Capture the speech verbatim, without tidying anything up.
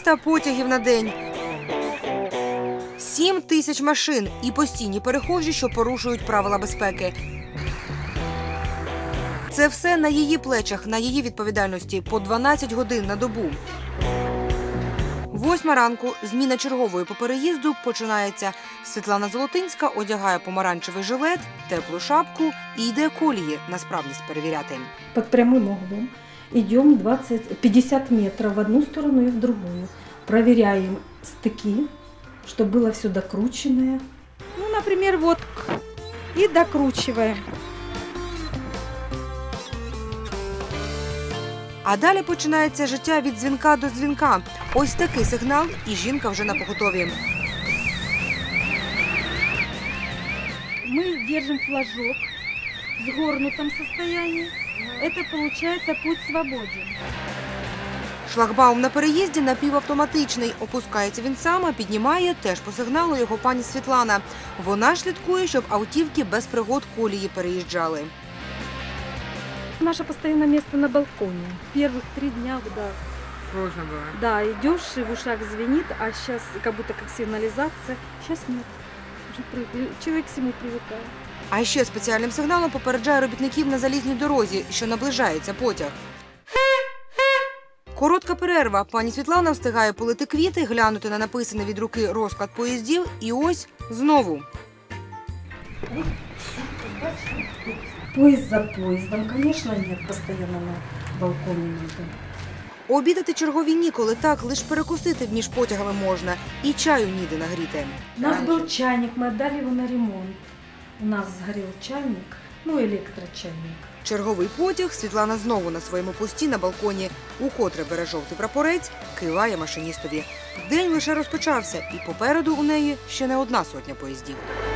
триста потягів на день. сім тисяч машин і постійні перехожі, що порушують правила безпеки. Це все на її плечах, на її відповідальності по дванадцять годин на добу. Восьма ранку, зміна чергової по переїзду починається. Світлана Золотинська одягає помаранчевий жилет, теплу шапку і йде колії на справність перевіряти. Під прямим углом йдемо двадцять-п'ятдесят метрів в одну сторону і в другу. Перевіряємо стики, щоб було все докручене. Ну, например, вот и докручиваем. А далі починається життя від дзвінка до дзвінка. Ось такий сигнал, і жінка вже на поготові. Мы держим флажок в сгорнутом состоянии. Это получается путь свободен. Шлагбаум на переїзді напівавтоматичний. Опускається він сам, а піднімає теж по сигналу його пані Світлана. Вона ж слідкує, щоб автівки без пригод колії переїжджали. Наше постоянное место на балконе. Первых три дня, да. Сложно было. Да, идешь, и в ушах звенит, а сейчас как будто как сигнализация. Сейчас нет. Уже при- человек к всему привыкает. А ще спеціальним сигналом попереджає робітників на залізній дорозі, що наближається потяг. Коротка перерва. Пані Світлана встигає полити квіти, глянути на написаний від руки розклад поїздів і ось знову. Поїзд за поїздом, звісно, нет, постійно на балконі надо. Обідати чергові ніколи, так, лише перекусити між потягами можна. І чаю ніде нагріти. У нас був чайник, ми віддали його на ремонт. У нас згорів чайник, ну, електрочайник. Черговий потяг, Світлана знову на своєму пості на балконі. Укотре бере жовтий прапорець, киває машиністові. День лише розпочався, і попереду у неї ще не одна сотня поїздів.